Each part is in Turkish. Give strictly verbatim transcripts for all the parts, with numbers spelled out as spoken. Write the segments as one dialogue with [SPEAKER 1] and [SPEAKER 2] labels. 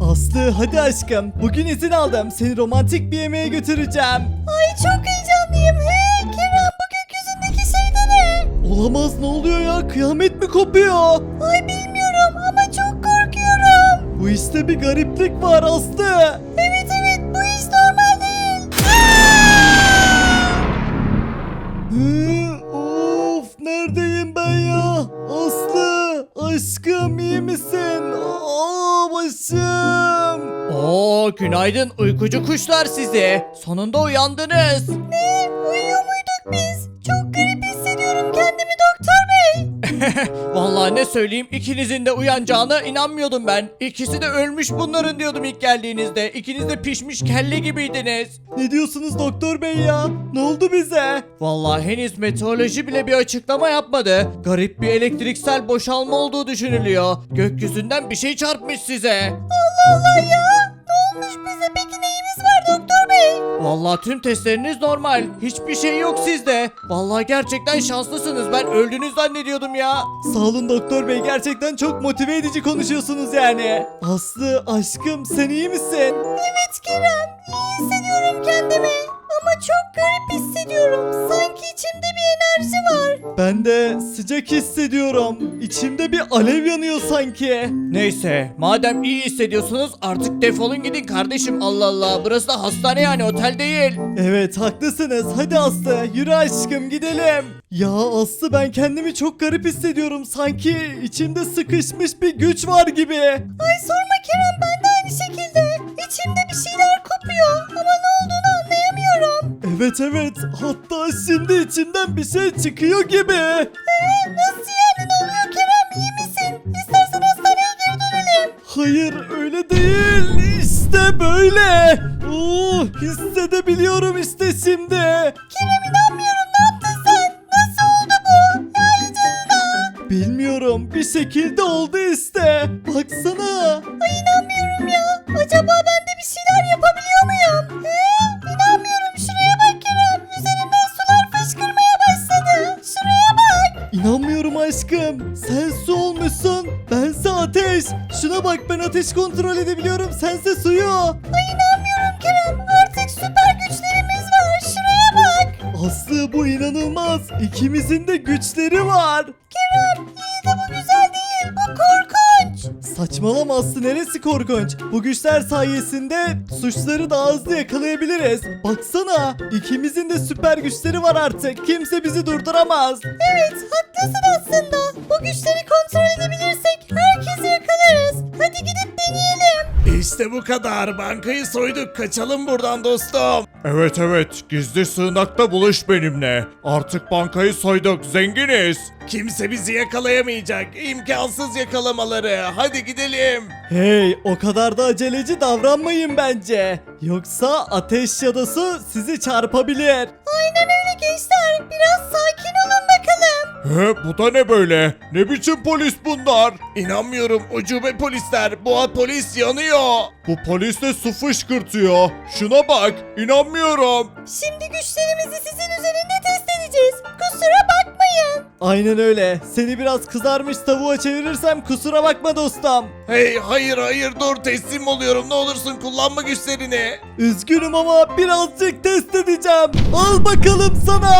[SPEAKER 1] Aslı hadi aşkım, bugün izin aldım, seni romantik bir yemeğe götüreceğim.
[SPEAKER 2] Ay çok heyecanlıyım. He Kerem, bu gökyüzündeki şey de ne?
[SPEAKER 1] Olamaz, ne oluyor ya, kıyamet mi kopuyor?
[SPEAKER 2] Ay bilmiyorum ama çok korkuyorum.
[SPEAKER 1] Bu işte bir gariplik var Aslı.
[SPEAKER 2] Evet evet, bu iş normal değil.
[SPEAKER 1] Hı, of, neredeyim ben ya? Aslı aşkım, iyi misin? Aa, başım. Oo, günaydın uykucu kuşlar sizi. Sonunda uyandınız.
[SPEAKER 2] Ne? Uyuyor muyduk biz? Çok garip hissediyorum kendimi doktor bey.
[SPEAKER 1] Vallahi ne söyleyeyim, ikinizin de uyanacağına inanmıyordum ben. İkisi de ölmüş bunların diyordum ilk geldiğinizde. İkiniz de pişmiş kelle gibiydiniz. Ne diyorsunuz doktor bey ya? Ne oldu bize? Vallahi henüz meteoroloji bile bir açıklama yapmadı. Garip bir elektriksel boşalma olduğu düşünülüyor. Gökyüzünden bir şey çarpmış size.
[SPEAKER 2] Allah Allah ya. Ne olmuş bize, peki neyimiz var doktor bey?
[SPEAKER 1] Vallahi tüm testleriniz normal. Hiçbir şey yok sizde. Vallahi gerçekten şanslısınız. Ben öldünüz zannediyordum ya. Sağ olun doktor bey. Gerçekten çok motive edici konuşuyorsunuz yani. Aslı aşkım, sen iyi misin?
[SPEAKER 2] Evet Kerem, iyi hissediyorum kendimi. Ama çok garip hissediyorum. Sanki içimde bir enerji var.
[SPEAKER 1] Ben de sıcak hissediyorum. İçimde bir alev yanıyor sanki. Neyse, madem iyi hissediyorsunuz artık defolun gidin kardeşim. Allah Allah, burası da hastane yani, otel değil. Evet, haklısınız. Hadi Aslı, yürü aşkım, gidelim. Ya Aslı, ben kendimi çok garip hissediyorum. Sanki içimde sıkışmış bir güç var gibi.
[SPEAKER 2] Ay sorma Kerem, ben de aynı şekilde. İçimde bir şeyler kopuyor ama ne olduğunu anlayamıyorum.
[SPEAKER 1] Evet evet, hatta şimdi içimden bir şey çıkıyor gibi.
[SPEAKER 2] Ee, nasıl yani, ne oluyor Kerem, iyi misin? İstersen hastaneye geri dönelim.
[SPEAKER 1] Hayır, öyle değil. İşte böyle. Oo, hissedebiliyorum işte şimdi.
[SPEAKER 2] Kerem inanmıyorum, ne yaptın sen? Nasıl oldu bu? Yani canına.
[SPEAKER 1] Bilmiyorum, bir şekilde oldu işte. Baksana.
[SPEAKER 2] Ay inanmıyorum ya. Acaba ben de bir şeyler yapabiliyor muyum? Ee, inanmıyorum, şuraya bak Kerem. Üzerimden sular fışkırmaya başladı. Şuraya bak.
[SPEAKER 1] İnanmıyorum aşkım. Sen su olmuşsun. Bense ateş. Şuna bak, ben ateş kontrol edebiliyorum. Sense suyu.
[SPEAKER 2] Ay inanmıyorum Kerem. Artık süper güçlerimiz var. Şuraya bak.
[SPEAKER 1] Aslı, bu inanılmaz. İkimizin de güçleri var.
[SPEAKER 2] Kerem iyi de bu güzel değil. Bu korkunç.
[SPEAKER 1] Saçmalama Aslı, neresi korkunç? Bu güçler sayesinde suçları daha hızlı yakalayabiliriz. Baksana, ikimizin de süper güçleri var artık. Kimse bizi durduramaz.
[SPEAKER 2] Evet haklısın aslında. Bu güçleri kontrol edebilirsek herkesi yakalarız. Hadi gidip deneyelim.
[SPEAKER 3] İşte bu kadar. Bankayı soyduk. Kaçalım buradan dostum. Evet evet. Gizli sığınakta buluş benimle. Artık bankayı soyduk. Zenginiz. Kimse bizi yakalayamayacak. İmkansız yakalamaları. Hadi gidelim.
[SPEAKER 1] Hey, o kadar da aceleci davranmayın bence. Yoksa ateş ya da su sizi çarpabilir.
[SPEAKER 2] Aynen öyle gençler. Biraz sakin olun bakalım.
[SPEAKER 3] He, bu da ne böyle? Ne biçim polis bunlar? İnanmıyorum. Ucube polisler. Bu polis yanıyor. Bu polis de su fışkırtıyor. Şuna bak. İnanmıyorum.
[SPEAKER 2] Şimdi güçlerimizi sizin üzerinde test edeceğiz. Kusura bakmayın.
[SPEAKER 1] Aynen öyle. Seni biraz kızarmış tavuğa çevirirsem kusura bakma dostum.
[SPEAKER 3] Hey hayır hayır dur teslim oluyorum. Ne olursun kullanma güçlerini.
[SPEAKER 1] Üzgünüm ama birazcık test edeceğim. Al bakalım sana.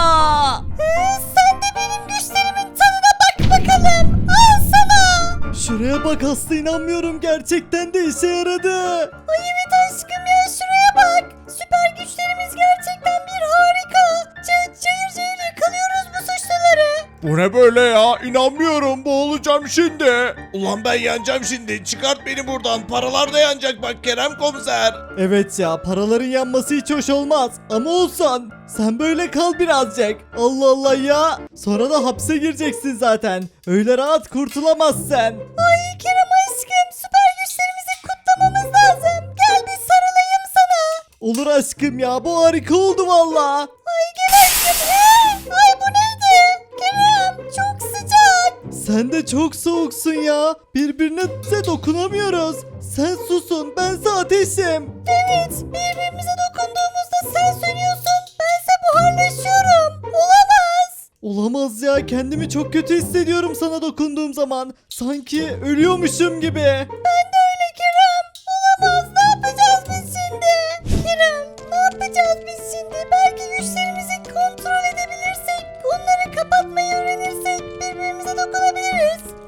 [SPEAKER 2] Ee, sen de benim güçlerimin tadına bak bakalım. Al sana.
[SPEAKER 1] Şuraya bak Aslı, inanmıyorum, gerçekten de işe yaradı.
[SPEAKER 2] Ay evet aşkım ya, şuraya bak. Süper güçlerimiz gerçekten bir harika. Ca- cayır cayır yakalıyoruz bu suçluları.
[SPEAKER 3] Bu ne böyle ya? İnanmıyorum. Boğulacağım şimdi. Ulan ben yanacağım şimdi. Çıkart beni buradan. Paralar da yanacak bak Kerem komiser.
[SPEAKER 1] Evet ya, paraların yanması hiç hoş olmaz. Ama olsan sen böyle kal birazcık. Allah Allah ya. Sonra da hapse gireceksin zaten. Öyle rahat kurtulamazsın.
[SPEAKER 2] Ay Kerem aşkım, süper güçlerimizi kutlamamız lazım. Gel bir sarılayım sana.
[SPEAKER 1] Olur aşkım ya, bu harika oldu valla.
[SPEAKER 2] Ay gel aşkım. He? Ay bu neydi? Kerem çok sıcak.
[SPEAKER 1] Sen de çok soğuksun ya. Birbirine de dokunamıyoruz. Sen susun, bense ateşim.
[SPEAKER 2] Evet, birbirimize dokunduğumuzda sen sönüyorsun. Bense buharlaşıyorum. Olamaz.
[SPEAKER 1] Olamaz ya, kendimi çok kötü hissediyorum sana dokunduğum zaman. Sanki ölüyormuşum gibi.
[SPEAKER 2] Ben de öyle Kerem.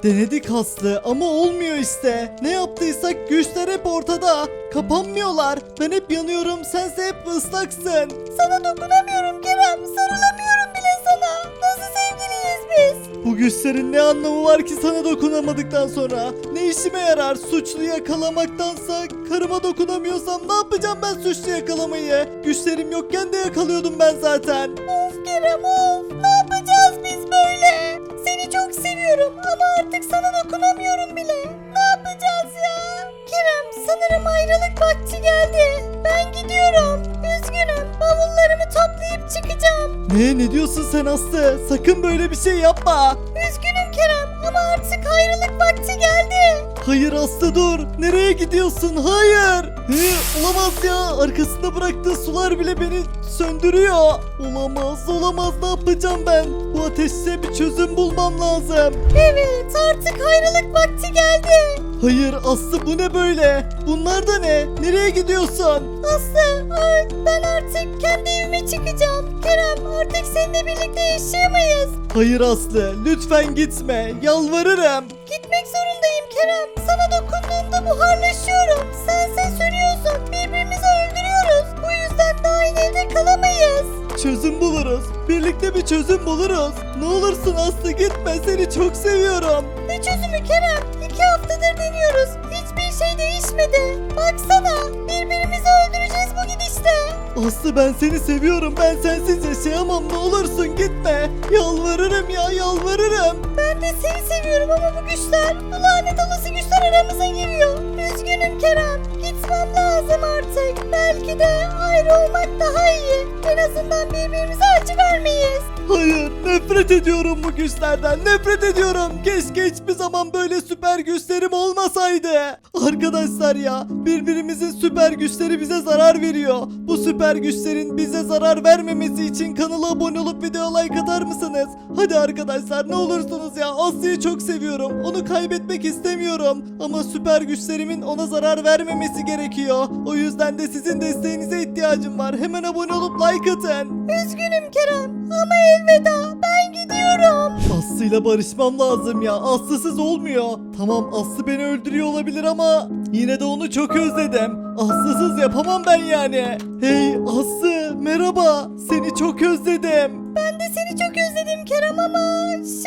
[SPEAKER 1] denedik Aslı ama olmuyor işte. Ne yaptıysak güçler hep ortada. Kapanmıyorlar. Ben hep yanıyorum, sense hep ıslaksın.
[SPEAKER 2] Sana dokunamıyorum Kerem. Sarılamıyorum bile sana. Nasıl sevgiliyiz biz?
[SPEAKER 1] Bu güçlerin ne anlamı var ki sana dokunamadıktan sonra? Ne işime yarar suçlu yakalamaktansa? Karıma dokunamıyorsam ne yapacağım ben suçlu yakalamayı? Güçlerim yokken de yakalıyordum ben zaten.
[SPEAKER 2] Of Kerem of. Ne yapacağız biz böyle? Seni çok seviyorum ama artık sana dokunamıyorum bile. Ne yapacağız ya? Kerem sanırım ayrılık vakti geldi. Ben gidiyorum. Üzgünüm. Bavullarımı toplayıp çıkacağım.
[SPEAKER 1] Ne ne diyorsun sen Aslı? Sakın böyle bir şey yapma.
[SPEAKER 2] Üzgünüm Kerem ama artık ayrılık vakti geldi.
[SPEAKER 1] Hayır Aslı dur. Nereye gidiyorsun? Hayır. He, olamaz ya. Arkasında bıraktığı sular bile beni söndürüyor. Olamaz olamaz ne yapacağım ben? Bu ateşe bir çözüm bulmam lazım.
[SPEAKER 2] Evet artık ayrılık vakti geldi.
[SPEAKER 1] Hayır Aslı bu ne böyle? Bunlar da ne? Nereye gidiyorsun?
[SPEAKER 2] Aslı ay, ben artık kendi evime çıkacağım. Kerem artık seninle birlikte yaşayamayız.
[SPEAKER 1] Hayır Aslı lütfen gitme. Yalvarırım.
[SPEAKER 2] Gitmek zorundayım Kerem. Sana dokunduğumda buharlaşıyorum. Sense sürüyorsun. Birbirimizi öldürüyoruz. Bu yüzden daha aynı evde kalamayız.
[SPEAKER 1] Çözüm buluruz. Birlikte bir çözüm buluruz. Ne olursun Aslı gitme. Seni çok seviyorum.
[SPEAKER 2] Ne çözümü Kerem? İki haftadır deniyoruz. Hiçbir şey değişmedi. Baksana birbirimizi öldüreceğiz bu gidişte.
[SPEAKER 1] Aslı ben seni seviyorum. Ben sensiz yaşayamam. Ne olursun gitme. Yalvarırım ya yalvarırım.
[SPEAKER 2] Ben de seni seviyorum ama bu güçler, bu lanet olası güçler aramıza giriyor. Üzgünüm Kerem. Gitmem lazım artık. Belki de ayrı olmak daha iyi. En azından birbirimize acı vermeyiz.
[SPEAKER 1] Hayır nefret ediyorum bu güçlerden. Nefret ediyorum. Keşke hiçbir zaman böyle süper güçlerim olmasaydı. Arkadaşlar ya birbirimizin süper güçleri bize zarar veriyor. Bu süper güçlerin bize zarar vermemesi için kanala abone olup video like atar mısınız? Hadi arkadaşlar ne olursunuz ya. Aslı'yı çok seviyorum. Onu kaybetmek istemiyorum. Ama süper güçlerimin ona zarar vermemesi gerekiyor. O yüzden de sizin desteğinize ihtiyacım var. Hemen abone olup like atın.
[SPEAKER 2] Üzgünüm Kerem ama elveda ben gidiyorum.
[SPEAKER 1] Aslı'yla barışmam lazım ya. Aslı'sız olmuyor. Tamam Aslı beni öldürüyor olabilir ama yine de onu çok özledim. Aslı'sız yapamam ben yani. Hey Aslı merhaba. Seni çok özledim.
[SPEAKER 2] Ben de seni çok özledim Kerem ama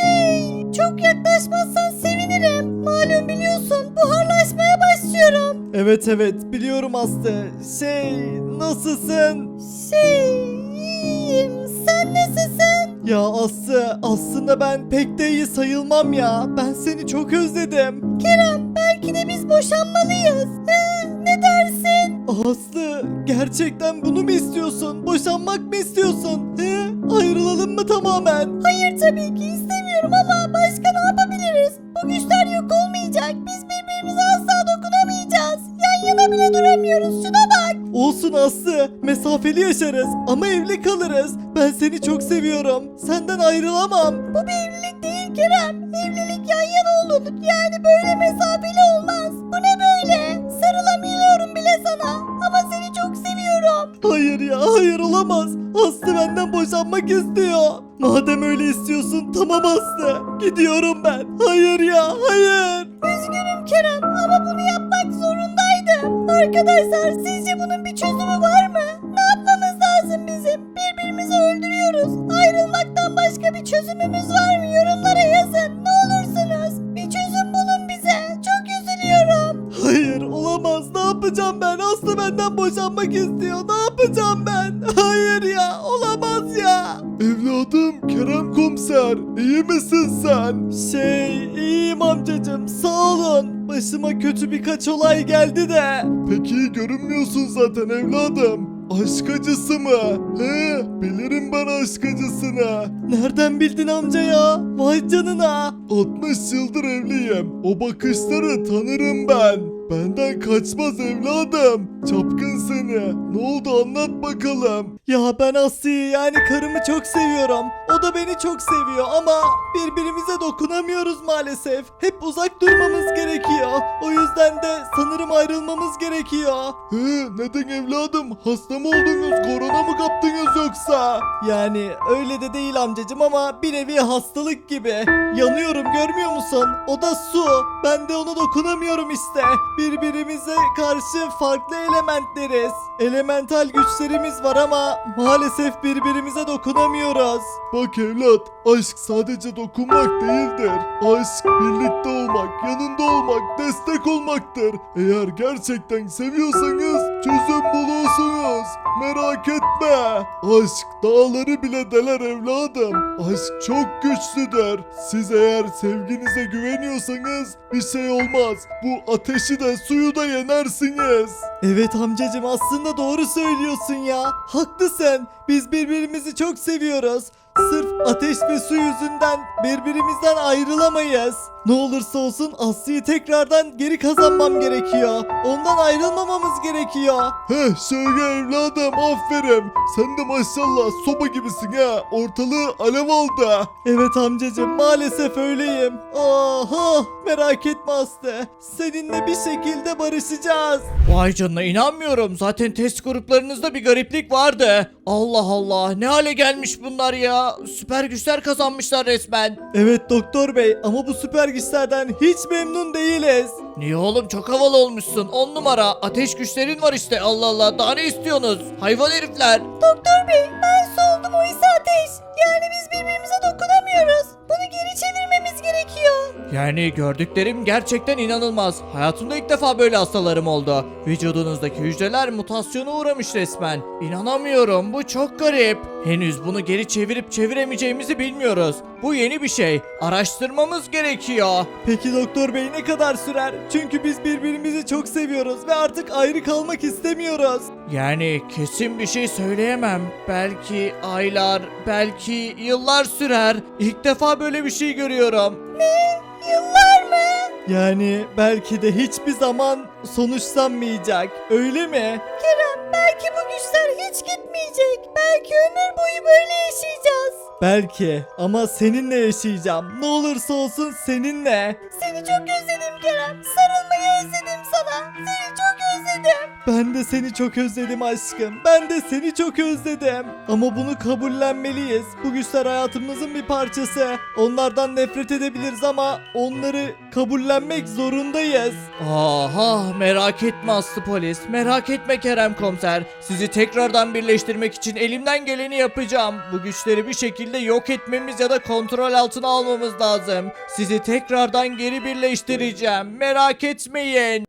[SPEAKER 2] şey çok yaklaşmazsan sevinirim. Malum biliyorsun buharlaşmaya başlıyorum.
[SPEAKER 1] Evet evet biliyorum Aslı. Şey nasılsın?
[SPEAKER 2] Şey iyiyim sen nasılsın?
[SPEAKER 1] Ya Aslı aslında ben pek de iyi sayılmam ya. Ben seni çok özledim.
[SPEAKER 2] Kerem belki de biz boşanmalıyız. He, ne dersin?
[SPEAKER 1] Aslı gerçekten bunu mu istiyorsun? Boşanmak mı istiyorsun? He? Ayrılalım mı tamamen?
[SPEAKER 2] Hayır tabii ki istemiyorum ama başka ne yapabiliriz? Bu güçler yok olmayacak. Biz birbirimize asla dokunamayacağız. Yan yana bile duramıyoruz. Şuna bak.
[SPEAKER 1] Olsun Aslı mesafeli yaşarız ama evli kalırız. Ben seni çok seviyorum. Senden ayrılamam.
[SPEAKER 2] Bu bir evlilik değil Kerem. Evlilik yan yana olur. Yani böyle mesafeli olmaz. Bu ne böyle? Sarılamıyorum bile sana. Ama seni çok seviyorum.
[SPEAKER 1] Hayır ya hayır olamaz. Aslı benden boşanmak istiyor. Madem öyle istiyorsun tamam Aslı. Gidiyorum ben. Hayır ya hayır.
[SPEAKER 2] Üzgünüm Kerem ama bunu yapmak zorundaydım. Arkadaşlar sizce bunun bir çözümü var mı? Ne yapmamız lazım bizim? Birbirimizi öldürüyoruz. Ayrılmaktan başka bir çözümümüz var mı? Yorumlara yazın. Ne olursunuz. Bir çözüm bulun bize. Çok üzülüyorum.
[SPEAKER 1] Hayır olamaz. Ne yapacağım ben? Aslı benden boşanmak istiyor. Ne yapacağım ben? Hayır ya olamaz ya. Evladım Kerem komiser. İyi misin sen? Şey iyiyim amcacım. Sağ olun. Başıma kötü birkaç olay geldi de. Pek iyi görünmüyorsun zaten evladım. Aşk acısı mı? He, bilirim ben aşk acısını. Nereden bildin amca ya? Vay canına. altmış yıldır evliyim. O bakışları tanırım ben.
[SPEAKER 3] benden kaçmaz evladım. Çapkın seni. Ne oldu anlat bakalım.
[SPEAKER 1] Ya ben Aslı'yı yani karımı çok seviyorum. O da beni çok seviyor ama birbirimize dokunamıyoruz maalesef. Hep uzak durmamız gerekiyor. O yüzden de sanırım ayrılmamız gerekiyor.
[SPEAKER 3] He, neden evladım? Hasta mı oldunuz? Korona mı kaptınız yoksa?
[SPEAKER 1] Yani öyle de değil amcacım ama bir nevi hastalık gibi. Yanıyorum görmüyor musun? O da su. Ben de ona dokunamıyorum işte. Birbirimize karşı farklı elementleriz. Elemental güçlerimiz var ama maalesef birbirimize dokunamıyoruz.
[SPEAKER 3] Bak evlat, aşk sadece dokunmak değildir. Aşk birlikte olmak, yanında olmak, destek olmaktır. Eğer gerçekten seviyorsanız çözüm bulursunuz. Merak etme. Aşk dağları bile deler evladım. Aşk çok güçlüdür. Siz eğer sevginize güveniyorsanız bir şey olmaz. Bu ateşi de suyu da yenersiniz.
[SPEAKER 1] Evet amcacım aslında doğru söylüyorsun ya. Haklısın. Biz birbirimizi çok seviyoruz. Sırf ateş ve su yüzünden birbirimizden ayrılamayız. Ne olursa olsun Aslı'yı tekrardan geri kazanmam gerekiyor. Ondan ayrılmamamız gerekiyor.
[SPEAKER 3] Heh şöyle evladım aferin. Sen de maşallah soba gibisin ha. Ortalığı alev aldı.
[SPEAKER 1] Evet amcacım maalesef öyleyim. Aha merak etme Aslı. Seninle bir şekilde barışacağız. Vay canına inanmıyorum. Zaten test gruplarınızda bir gariplik vardı. Allah Allah ne hale gelmiş bunlar ya. Süper güçler kazanmışlar resmen. Evet doktor bey ama bu süper güçlerden hiç memnun değiliz. Niye oğlum çok havalı olmuşsun. On numara ateş güçlerin var işte. Allah Allah daha ne istiyorsunuz? Hayvan herifler.
[SPEAKER 2] Doktor bey ben soldum o ise ateş. Yani biz birbirimize dokunamıyoruz. Bunu geri çevirmemiz gerekiyor.
[SPEAKER 1] Yani gördüklerim gerçekten inanılmaz. Hayatımda ilk defa böyle hastalarım oldu. Vücudunuzdaki hücreler mutasyona uğramış resmen. İnanamıyorum bu çok garip. Henüz bunu geri çevirip çeviremeyeceğimizi bilmiyoruz. Bu yeni bir şey. Araştırmamız gerekiyor. Peki doktor bey ne kadar sürer? Çünkü biz birbirimizi çok seviyoruz ve artık ayrı kalmak istemiyoruz. Yani kesin bir şey söyleyemem. Belki aylar, belki yıllar sürer. İlk defa böyle bir şey görüyorum.
[SPEAKER 2] Yıllar mı?
[SPEAKER 1] Yani belki de hiçbir zaman sonuçlanmayacak. Öyle mi?
[SPEAKER 2] Kerem belki bu güçler hiç gitmeyecek. Belki ömür boyu böyle yaşayacağız.
[SPEAKER 1] Belki ama seninle yaşayacağım. Ne olursa olsun seninle.
[SPEAKER 2] Seni çok özledim Kerem. Sarılmayı özledim sana. Seni çok özledim.
[SPEAKER 1] Ben de seni çok özledim aşkım. Ben de seni çok özledim. Ama bunu kabullenmeliyiz. Bu güçler hayatımızın bir parçası. Onlardan nefret edebiliriz ama onları kabullenmek zorundayız. Aha merak etme Aslı polis. Merak etme Kerem komiser. Sizi tekrardan birleştirmek için elimden geleni yapacağım. Bu güçleri bir şekilde yok etmemiz ya da kontrol altına almamız lazım. Sizi tekrardan geri birleştireceğim. Merak etmeyin.